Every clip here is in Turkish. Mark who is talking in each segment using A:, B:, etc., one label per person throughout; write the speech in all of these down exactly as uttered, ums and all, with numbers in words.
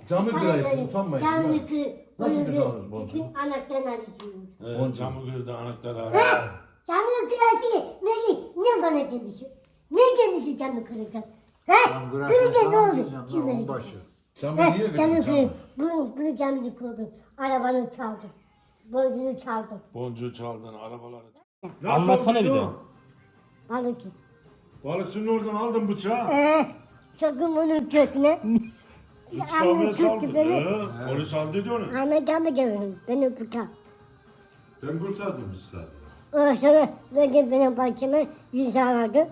A: Camı kırarsın, utanmayın.
B: Camını kır.
A: Nasıl
B: Bunu
A: kırarız boncuğu?
B: bütün anahtarını alıyorsun.
C: Evet, camı kırdı anahtarı aldı.
B: Ha? Camını kırarsın. Ne, ne bana demişsin? Ne demişsin camı kırırken? Ha?
D: Cam kırarsan
B: Kırınca ne
D: sana
B: olur?
D: diyeceğim lan,
B: Kim verecek?
D: onbaşı.
A: Camı
B: Ha,
A: niye
B: camı
A: verdin
B: kır.
A: camı?
B: Bunu, bunu camını kırdın. Arabanı çaldın. Boncuğunu çaldın.
C: Boncuğu çaldın, arabaları.
E: Anlatsana bir daha.
B: Balıkçı.
C: Balıkçının oradan aldın bıçağı.
B: Ee, çöktüm onun köküne.
C: İstanbul'a saldın.
B: beni.
C: Ee, polis aldıydı onu.
B: Ahmet abi gelin. Beni kurtar.
C: Ben kurtardım işte.
B: Ondan sonra böyle benim bahçeme yüz aradı.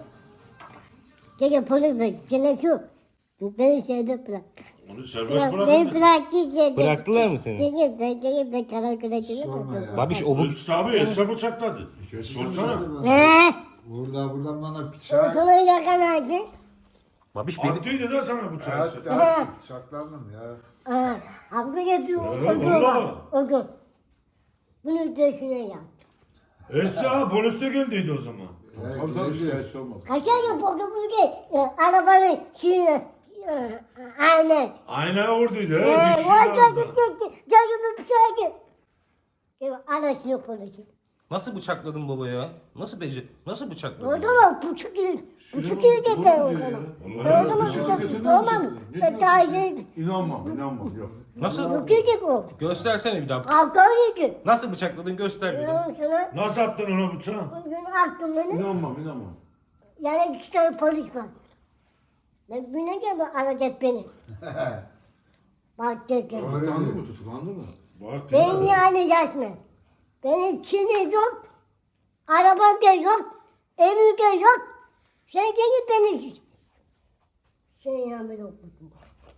B: Dedi polis bey, gene şu. Beni serbest bırak.
C: Onu serbest
B: Bırak,
C: bırakın.
B: beni bıraktı serbest.
E: Bıraktılar mı seni?
B: Dedi ben, dedi ben karakola
D: Sorma ya.
E: Babiş o bu...
C: Polis abi Esra bıçakladı. Sorsana.
B: Eee?
D: Burada buradan bana
B: O
D: bıçak.
B: sonra yakalandı.
E: Babiş beni...
C: Attıydı da sana bıçağı.
D: Evet, evet, bıçaklandım ya.
B: Aa, abi yapıyor.
C: Öyle
B: O gün
C: vallahi.
B: var. O gün. Bunu döşüne yap.
C: Esra polis de geldiydi o zaman.
D: Evet,
A: Tabii tabii
D: geldi.
A: şikayetçi olmaz.
B: Kaçar yapıldı bu şey. Arabanın şeyine. e, Aynen.
C: Aynaya vurduydu. He,
B: Eee,
C: bir şey
B: vay
C: vardı.
B: çocuk gitti. Canımı bir şey geldi. Anasını polisi.
E: Nasıl bıçakladın baba ya? Nasıl beci... Nasıl bıçakladın?
B: Orada mı buçuk yıl, buçuk yıl gitti
A: doğru
B: o
A: diyor
B: zaman.
A: ya.
B: Orada mı
A: Vallahi
B: buçuk
A: götünden
B: yıl olmam.
A: bıçak- Ne
B: Ben daha
A: diyorsun
B: iyi.
A: İnanmam, inanmam yok.
E: Nasıl?
B: Buçuk yıl gibi oldu.
E: Göstersene bir daha.
B: Kavga yedi.
E: Nasıl bıçakladın göster bir daha.
B: Ondan sonra
C: Nasıl attın ona bıçağı?
B: bugün attım beni.
A: İnanmam, inanmam.
B: Yani iki tane polis var. Ben güne geldi arayacak beni. Bak dedi.
A: Tutuklandı mı, tutuklandı mı?
C: Bak
B: Ben yani resmen. Benim çini yok. Arabam da yok. Evim de yok. Sen gelip beni... Sen yanımda okudun.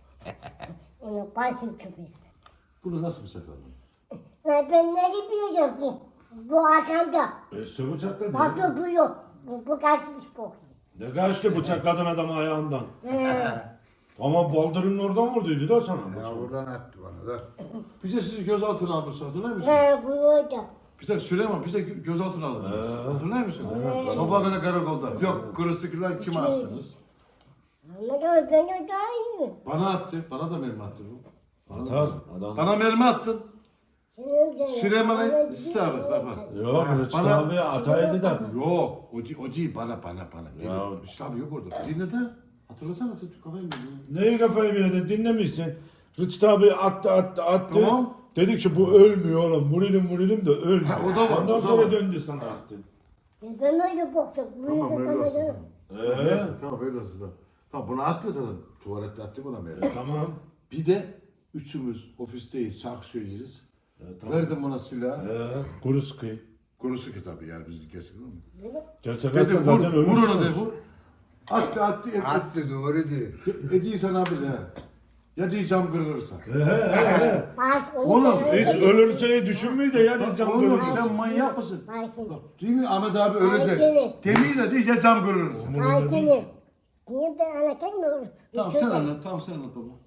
B: Onu başım çıkıyor.
A: Bunu nasıl bıçakladın?
B: Ben ne bileyim bu. Bu arkamda.
C: Esra bıçakladı.
B: Bak bu yok. Bu, bu kaçmış bu.
C: Ne kaçtı bıçakladın adamı ayağından.
B: Ee,
C: Ama baldırının oradan vurduydu da sana.
D: Ya buradan attı bana da.
A: Bir de sizi gözaltına almışsın, hatırlıyor musun?
B: He bu orada.
A: Bir tek Süleyman, bir tek gözaltına alındınız. Hatırlıyor musun? Sabaha kadar karakolda. Yok, kırısıklar kime attınız?
B: Ama da ben o daha iyi.
A: Bana attı, bana da mermi attı bu. Bana, da-
C: Atar, adam.
A: bana mermi attın.
B: Senin de-
A: Süleyman'a
B: Ama
A: istihbarat, bak bak.
C: Yok Rıçtı
A: Bana-
C: abi ataydı da.
A: Yok, o, değil- o değil, bana, bana, bana. Değil.
C: Ya.
A: Üstü abi yok orada. Dinle de. Hatırlasana, tut kafayı mı?
C: Neyi kafayı mı yedin dinlemişsin. Rıçtı abi attı attı attı.
A: Tamam.
C: Dedik ki bu ölmüyor oğlum. Vurayım vurayım da ölmüyor.
A: Ha, o da var,
C: Ondan
A: o da
C: sonra
A: var.
C: döndü sana attı.
B: Ben öyle baktım.
A: Tamam, öyle olsun.
B: Böyle
A: Tamam.
C: Ee?
A: Neyse, tamam öyle olsun. Tamam. Tamam, bunu attı zaten. Tuvalette attı buna mermi.
C: Tamam.
A: Bir de üçümüz ofisteyiz, şarkı söyleriz. Verdim buna silahı.
C: Ee, kuru sıkı.
A: Kurusu kitabı yani biz gerçekten mi?
C: Gerçek
A: Dedi
C: atsa
A: vur,
C: zaten
A: vur
C: ölürsün.
A: onu dedi vur. Attı attı et, et.
D: Attı doğru değil.
A: Ediysen abi de. Ya diyeceğim kırılırsa.
B: Baş onu
A: Oğlum,
B: ben-
C: Hiç ölürseyi düşünmüyor da ya cam
A: Oğlum
C: kırılsın.
A: sen manyak mısın?
B: Baş seni.
A: Değil mi Ahmet abi
B: Ay
A: ölecek.
B: seni.
A: Demeyi de değil ya cam kırılırsa.
B: Baş seni. Niye ben anlatayım mı?
A: Tamam sen anlat, tamam sen anlat baba.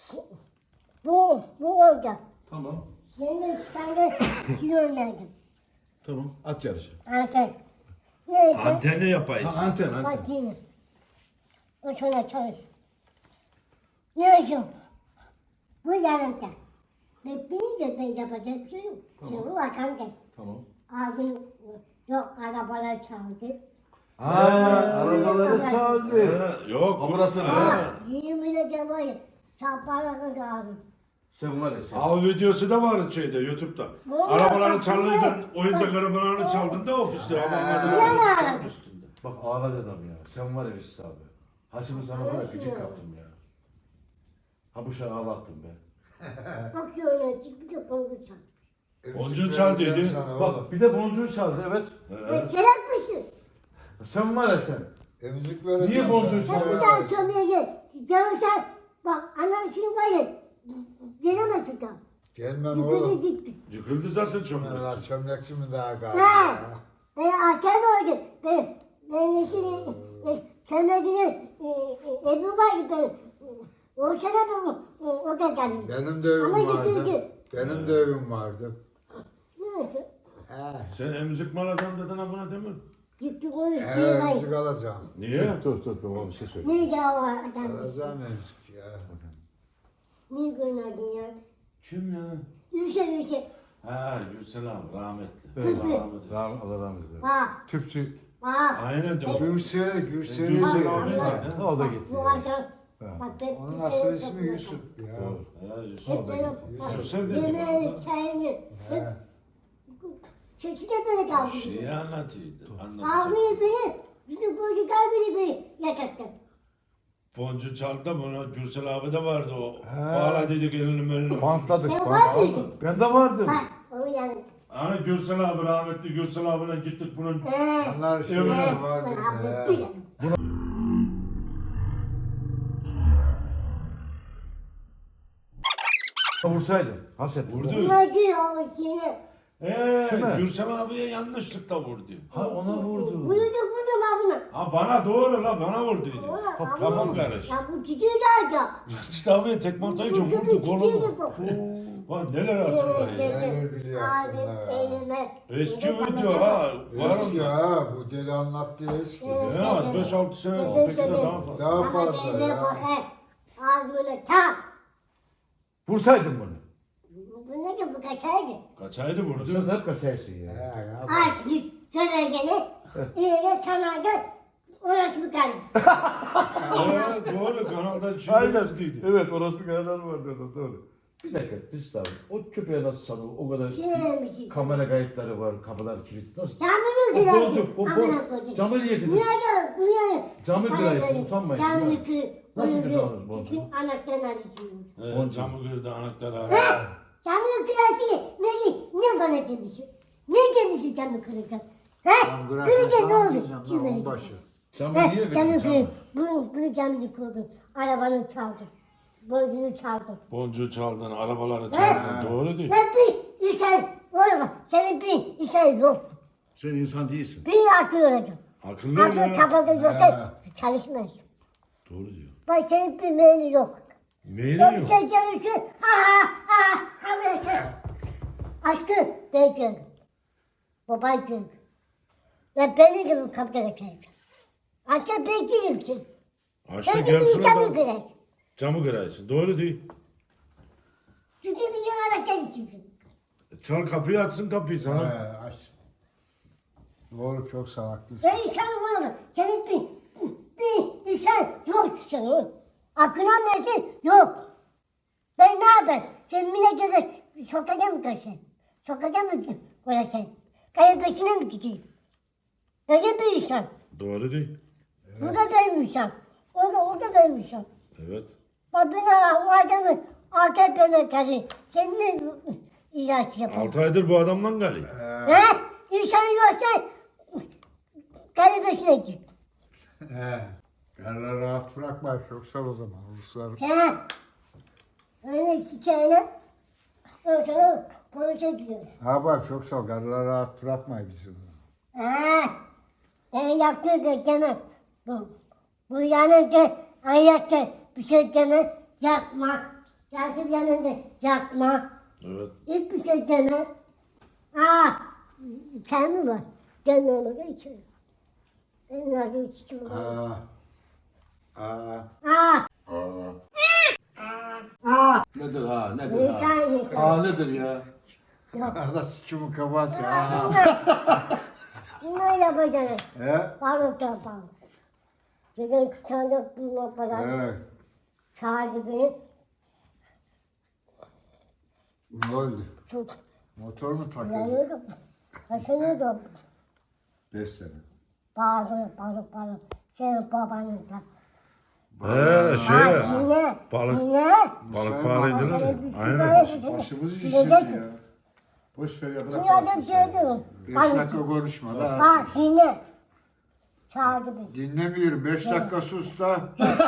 B: Bu, bu orada.
A: Tamam.
B: Senin üç tane kilo önerdim.
A: Tamam at yarışı.
B: Anten. Neyse.
C: Antene yapayız.
A: Ha, anten anten.
B: Bak yine. O sana çalış. Neyse. Bu yanımda. Ve bir de ben yapacak bir şey yok. Şimdi bu arkamda.
A: Tamam.
B: Abim yok arabalar çaldı.
A: Aa, arabaları saldı.
C: Ee, Yok.
A: Ha, burası ne?
B: Ama yirmi de var ya. Şaparaga kaldım.
A: Sen var ya sen.
C: Av videosu da var şeyde YouTube'da.
B: Vallahi
C: Arabaları
B: bak,
C: çalıydın,
B: bak.
C: oyuncak arabalarını çaldın da ofiste. Adamlar
B: Yalan.
C: da üstünde.
A: Bak ağladı adam ya. Sen var ya Mesut abi. Haşim'i sana var ya gıcık kaptım ya. Ha bu şey ağlattım be.
B: Bakıyorum çıktı da bongu çaldı.
C: Boncuğu çal dedi.
D: Sana
A: Bak
D: oğlum.
A: bir de boncuğu çaldı evet.
B: E, Serap mısın?
A: Sen var ya sen.
D: Emzik vereceğim.
A: Niye boncuğu
D: sana.
B: Sen bir
D: Evet.
B: daha çalmaya gel. Canım sen. Bak anam şimdi var ya. Gelemezsin daha.
D: Gelmem
B: Yukarı
D: oğlum.
B: gitti.
C: Yıkıldı zaten çok.
D: Bunlar çömlekçi mi daha galiba?
B: Ha.
D: ya?
B: Ben arkan oldu. Ben, ben de şimdi sen de yine Ebru var ki ben. O sene de o, o da geldi.
D: Benim de evim
B: Ama
D: vardı.
B: yıkıldı.
D: Benim de evim vardı.
B: Neyse.
D: He.
C: Sen emzik mi alacağım dedin ha buna değil mi?
B: Gitti bunu şey
D: He,
B: var.
D: emzik alacağım.
C: Niye?
A: Dur dur dur baba bir şey söyle.
B: Ne daha var adam.
D: Alacağım emzik ya.
B: Niye gönderdin ya?
A: Kim ya?
B: Yüksel yüksel.
A: Ha Yüksel abi rahmetli.
B: Evet.
A: Rahmetli.
C: Rahmet, Allah rahmet eylesin.
B: Bak
C: Tüpçü.
B: bak.
A: Aynen de.
D: Gürsel, Gürsel'i
A: Gürsel
D: de
A: abi
D: gördüm.
A: var ya.
C: O da gitti.
B: Bu
C: ya.
B: akşam. Bak ben
D: Onun
B: bir
D: asıl
B: şey
D: ismi
B: yapıyorum.
D: Yusuf ya.
C: Doğru.
A: Ha Yusuf.
B: Hep böyle bak.
A: Yüksel dedi.
B: Yemeğini, çayını. Hep çekide böyle kaldı.
A: Şeyi anlatıyordu.
B: Abi
A: Anlatıyordu.
B: beni, bizim çocuk abi beni yatakta.
A: Boncu çaldı da bunu Gürsel abi de vardı o.
C: He.
A: Bağla dedik elini elini.
C: Bantladık.
B: Sen
C: bant-
B: var mıydın?
C: Ben de vardım.
B: Bak o yani.
A: Hani Gürsel abi rahmetli Gürsel abine gittik bunun.
B: Ee,
D: Onlar
A: Evet.
D: şeyler vardı.
B: ben
D: ya.
B: abi bir
C: Vursaydın. Haset.
A: Vurdu.
B: Bunlar diyor o şeyi.
A: Eee
C: Kime?
A: Gürsel abiye yanlışlıkla vurdu.
C: Ha ona vurdu.
B: Bunu da bunu da bunu.
A: Ha bana doğru la bana vurduydu.
B: Ona-
A: Kafam
B: ama-
A: karıştı.
B: Ya bu çiçeği de aldı.
A: İşte abi tekme atayınca
B: Bu çiçeği
A: vurdu
B: çiçeği de
A: kolumu.
B: bu.
A: Bak neler hatırlar ya.
D: Neler biliyor
B: Abi
D: aklında ya.
B: elime.
A: Eski video ha. Var
D: Eski
A: mı?
D: ya, bu deli anlattı eski.
B: Evet.
A: Ne az beş altı sene
B: Evet,
A: belki de
B: evet.
A: daha fazla.
D: Daha
B: Ama
D: fazla
B: elime
D: ya.
B: bakar. Ağzına tam.
C: Vursaydın bunu.
B: Bu ne ki bu kaçardı?
A: Kaçaydı vurdu.
C: Sen hep kaçarsın ya.
D: Ya, ya.
B: Aç git söyleyeceğini. İleri kanalda orası bu kalın.
A: Ee, doğru kanalda şimdi
C: Aynen.
A: üzdüydü.
C: Evet orası bir kanallar vardı orada doğru. Bir dakika biz abi o köpeğe nasıl çalıyor? O kadar
B: Şeymiş.
C: kamera kayıtları var, kapılar kilit. Nasıl?
B: Camını
C: O
B: kırardı.
C: bolcu, o
B: Amına
C: bol.
B: koyayım.
C: Camı niye kırdın?
B: Nerede? Buraya.
C: Camı
B: Bana
C: kırarsın,
B: böyle
C: utanmayın.
B: Camını
C: Ya.
B: kır.
C: Nasıl
B: Böyle
C: kırarız bolcu?
B: Bütün anahtarını açıyor.
A: Evet, camı kırdı anahtarı aradı.
B: Ha? Camını kırarsın. Ne ki? Ne bana demişsin? Ne demişsin camı kırırken? Ha?
D: Lan bırak,
B: Kırırken ne
D: tamam
B: oldu?
D: diyeceğim,
B: Kim
D: lan,
B: böyle?
D: onbaşı.
C: Camı
B: Ha?
C: niye kırdın?
B: Camı
C: Camı.
B: kırır. Bunu, bunu camını kırdın. Arabanı çaldın. Boncuğunu çaldın.
A: Boncuğu çaldın, arabaları
B: Ha?
A: çaldın. Doğru değil.
B: Ne bir insan olma. Senin bir insan yok.
C: Sen insan değilsin.
B: Bir akıl olacak.
A: Akıllı ol
B: Akıl
A: ya.
B: kafada yoksa çalışmaz.
A: Doğru diyor.
B: Bak senin bir meyli yok.
A: Neyini
B: Yok
A: yok?
B: sen çalışıyorsun. Ha ha ha ha böyle. Aşkı ben gördüm. Baban gördüm. Ya beni gibi kapıda kaçacak. Aşkı ben kimsin?
A: Açta
B: Ben
A: gelsin
B: bir camı
A: adam.
B: kırar.
A: Camı kırarsın. Doğru değil.
B: Çünkü bir yana çalışıyorsun.
A: Çal kapıyı açsın kapıyı sana.
D: He, aç. Doğru, çok salaklısın.
B: Ben insan olamam. Senin bir, bir insan yok senin. Aklına versin yok. Ben ne yapayım? Sen mine gibi sokağa mı kaçacaksın? Sokağa mı koyacaksın? Kayın peşine mi gideyim? Böyle bir insan.
A: Doğru değil.
B: Bu da benim insan. O da, o da benim insan.
A: Evet.
B: Bak ben o adamı A K P'ne karşı sen ne ilaç yapıyorsun?
A: Altı aydır bu adamla gali.
B: He? İnsan yoksa kayın peşine git.
D: He. Yerler rahat bırakma, çok sal o zaman. Ruslar.
B: He? Öyle çiçeğine ondan sonra polise gidiyoruz.
D: Ha bak, çok sal. Yerler rahat bırakma bizi.
B: He? Ben yaptığı bekleme. Bu, bu yanında ayakta bir şey deme. Yapma. Yasin yanında yapma.
A: Evet.
B: Hiçbir şey deme. Aa, sen mi var? Gel ne olur içeri. Ben nerede içtim?
D: Aa. Aa.
B: Aa, aa.
C: Nedir ha nedir ha?
B: İnsan insan.
C: Aa nedir ya?
B: Yok.
D: Nasıl kimin kafası? Aa.
B: Bunlar yapacaksın.
D: He?
B: Balık yapalım. Senin kısalık bulma falan.
D: Evet.
B: Sahibi
D: Ne oldu?
B: tut.
D: Motor mu takıldı?
B: Yanıyordum. Kaşınıyordum.
D: Beş sene.
B: Bağırıyor, bağırıyor, bağırıyor. Senin babanın da.
A: He şey.
B: Bak yine,
A: Balık-
B: yine.
A: Balık bağırıydınız ya. Aynen.
B: Aynen.
F: Başımızı şişirdi ya. Boş ver ya bırak.
B: Dünyada bir şey diyorum.
D: Beş
B: Balık.
D: dakika konuşma la.
B: Bak yine. Çağırdı beni.
D: Dinlemiyorum. Beş dakika sus da.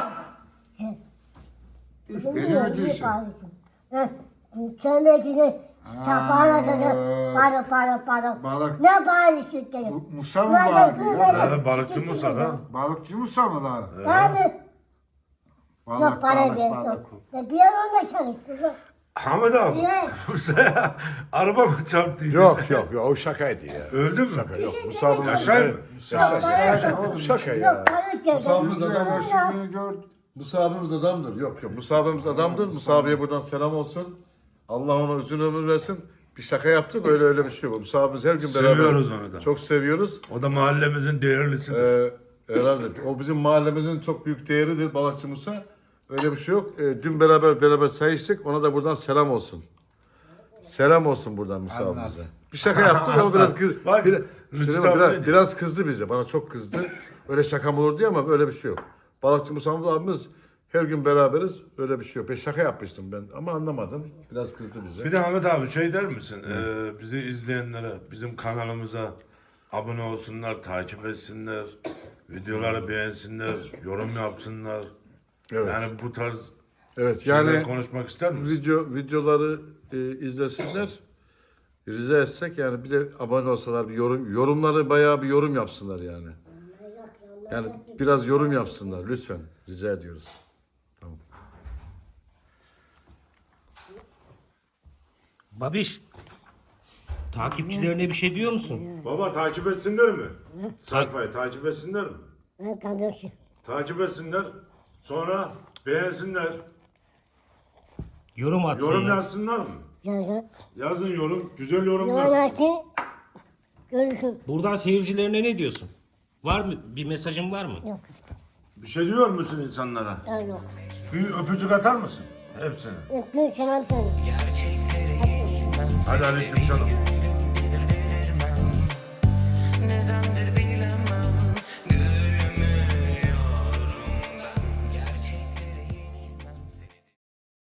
B: Şimdi
D: Beni
B: niye
D: mi diyorsun?
B: bağırıyorsun? Heh. Çömecini çapağına kadar bağırıyor, bağırıyor, bağırıyor.
D: Balık.
B: Ne bağırıyorsun dedi.
D: Bu Musa mı
B: Burada
D: bağırıyor?
B: böyle
A: He, balıkçı
B: küçük
A: Musa
B: bir
A: da.
B: adam.
D: Balıkçı Musa mı lan?
B: Abi.
D: Balık,
B: Yok para
D: balık,
B: ver.
D: balık.
B: Yok. Ya bir yer onunla çalıştı.
A: Hamid abi.
B: Niye?
A: Musa'ya araba mı çarptıydı?
C: Yok yok yok o şakaydı ya.
A: Öldü mü?
C: Şaka yok. Musa bu
A: Yaşay mı?
B: Yok para yok.
C: Şaka
B: Yok
C: ya.
B: para yok.
F: Musa'mız
D: Biz de
F: adam
D: ya, şimdi gördüm.
A: Musa abimiz adamdır. Yok yok. Musa abimiz adamdır. Musa abiye buradan selam olsun. Allah ona uzun ömür versin. Bir şaka yaptı, böyle öyle bir şey yok. Musa abimiz her gün beraber.
C: Seviyoruz onu da.
A: Çok seviyoruz.
C: O da mahallemizin değerlisidir.
A: Ee, herhalde. O bizim mahallemizin çok büyük değeridir Balıkçı Musa. Öyle bir şey yok. Ee, dün beraber beraber çay içtik. Ona da buradan selam olsun. Selam olsun buradan Musa
D: Anlat.
A: abimize. Bir şaka yaptık ama biraz kız,
C: Bak,
A: bir-
C: Rıçtı
A: Şimdi
C: abi
A: biraz,
C: ne diyor?
A: biraz kızdı bize. Bana çok kızdı. Öyle şakam olur diye ama öyle bir şey yok. Balıkçı Musa abimiz her gün beraberiz. Öyle bir şey yok. Ben şaka yapmıştım ben ama anlamadım. Biraz kızdı bize.
C: Bir de Ahmet abi şey der misin? Ee, bizi izleyenlere, bizim kanalımıza abone olsunlar, takip etsinler, videoları beğensinler, yorum yapsınlar.
A: Evet.
C: Yani bu tarz
A: Evet.
C: şeyler
A: Yani
C: konuşmak ister misin?
A: video videoları e, izlesinler. Rica etsek yani bir de abone olsalar bir yorum yorumları bayağı bir yorum yapsınlar yani. Yani biraz yorum yapsınlar lütfen. Rica ediyoruz.
E: Babiş, takipçilerine bir şey diyor musun?
C: Baba takip etsinler mi? Sayfayı takip etsinler mi?
B: Ben kardeşim.
C: Takip etsinler. Sonra beğensinler.
E: Yorum atsınlar.
C: Yorum yazsınlar mı?
B: Yazın.
C: Yazın yorum. Güzel yorum yazsın.
B: Yolaki. Görüşün.
E: Buradan seyircilerine ne diyorsun? Var mı? Bir mesajın var mı?
B: Yok.
C: Bir şey diyor musun insanlara?
B: Yok.
C: Bir öpücük atar mısın? Hepsine.
B: Öptüm selam söyle.
C: Hadi aleyküm canım.